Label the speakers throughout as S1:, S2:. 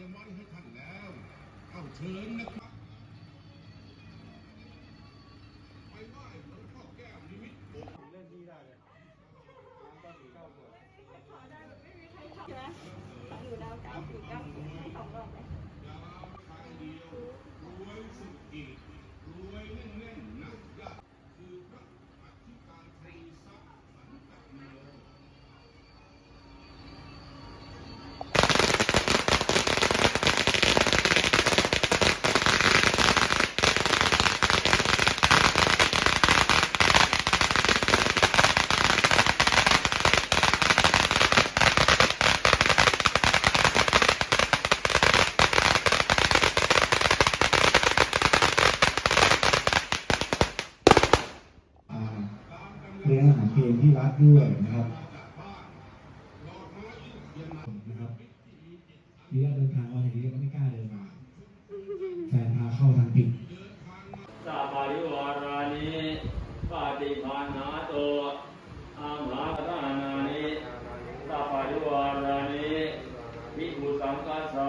S1: ไว้ให้ท่านแล้วเข้าเชิญนะครับไปไหว้หลวงพ่อแก้วนิมิตโบสถ์เล่นดีได้เลยก็ถือเก้าขวด
S2: ขอได้แบบไม่มีใครทำใช่ไหมอยู่ดาว949ให้2 รอบเลย
S1: ดาวทางเดียวรวยสุดอีกรวยแน่นๆนักยากคือพระอธิการตรีทรัพย์สันตโน
S3: เลี้ยงอาหารเพลที่วัดด้วยนะครับทีแรกเดินทางมาอย่างนี้ก็ไม่กล้าเดินมาแฟนพาเข้าทางผิด
S4: สัพพะริวารานิปฏิภาณาโตอาหารานานิสัพพะริวารานิวิภูสังกัสสะ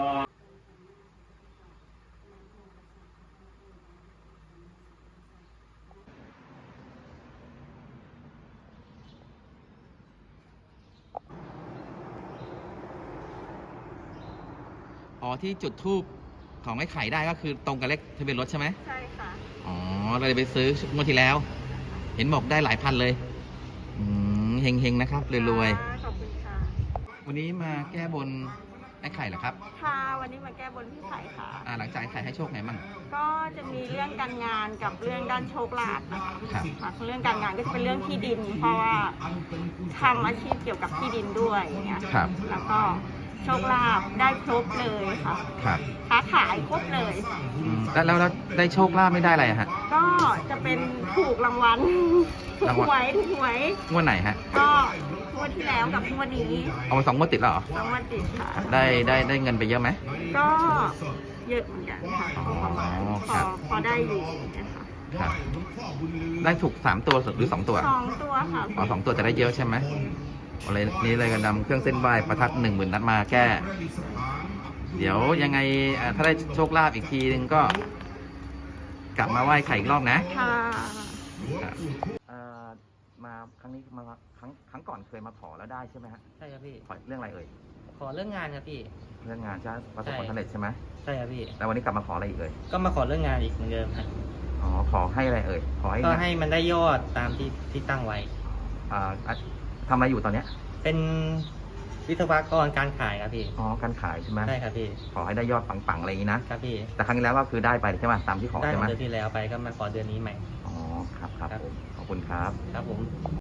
S5: อ๋อที่จุดทูบของไอ้ไข่ได้ก็คือตรงกับเลขทะเบียนรถใช่ไหม
S2: ใช่ค่ะ
S5: อ๋อเราเลยไปซื้องวดที่แล้ว เห็นบอกได้หลายพันเลยเฮงๆนะครับรวย
S2: ๆขอบคุณค่ะ
S5: วันนี้มาแก้บนไอ้ไข่เหรอครับ
S2: ค่ะวันนี้มาแก้บนพี่ไข่ค่ะ
S5: หลังจากไอ้ไข่ให้โชคไงมั่ง
S2: ก็จะมีเรื่องการงานกับเรื่องด้านโชคลาภนะคะ
S5: ครับ
S2: เรื่องการงานก็จะเป็นเรื่องที่ดิน เพราะว่าทำอาชีพเกี่ยวกับที่ดินด้วยอย่างเงี้ย
S5: ครับ
S2: แล้วก็โชคลาภได้ครบเลยค่ะ
S5: ครับ
S2: ค้าขายครบเลย
S5: แล้วได้โชคลาภไม่ได้อะไรฮะ
S2: ก็จะเป็นถูกรางวัลถูกหวย
S5: งวดไหนฮะ
S2: ก็งวดที่แล้วกับงวดนี้
S5: เอามา2 งวดติดแล้วเหรอ
S2: 2 งวดติดค่ะ
S5: ได้เงินไปเยอะไหม
S2: ก็เยอะเหมือนกันค่ะพอได้อยู่นะคะ
S5: ครับได้ถูก3 ตัวหรือ2 ตัว
S2: 2 ตัวค่ะ
S5: 2 ตัวจะได้เยอะใช่ไหมอะไรนี้เลยกันนำเครื่องเส้นไหว้ประทัด10,000 นัดมาแก้เดี๋ยวยังไงถ้าได้โชคลาภอีกทีนึงก็กลับมาไหว้ไข่อีกรอบนะ
S2: ค่ะ
S5: มาครั้งนี้มาครั้งก่อนเคยมาขอแล้วได้ใช่ไหมฮะ
S6: ใช่ครับพี่
S5: ขอเรื่องอะไรเอ่ย
S6: ขอเรื่องงานครับพี่
S5: เรื่องงานจะประสบความสำเร็จใช่ไหม
S6: ใช่ครับพี่
S5: แล้ววันนี้กลับมาขออะไรอีกเอ่ย
S6: ก็มาขอเรื่องงานอีกเหมือนเดิมครับ
S5: อ๋อขอให้อะไรเอ่ยขอให้
S6: ก็ให้มันได้ยอดตามที่ตั้งไว้
S5: ทำอะไรอยู่ตอนเนี้ย
S6: เป็นวิศวกรการขายครับพี่
S5: อ๋อการขายใช่ไหม
S6: ใช่ครับพี่
S5: ขอให้ได้ยอดปังๆอะไรอย่างนี้นะครับ
S6: พี่
S5: แต่ครั้งที่แล้วก็คือได้ไปใช่ไหมตามที่ขอใช่ไหม
S6: ได้เดือนที่แล้วไปก็มาขอเดือนนี้ใหม่
S5: อ๋อครับผมขอบคุณครับ
S6: ครับผม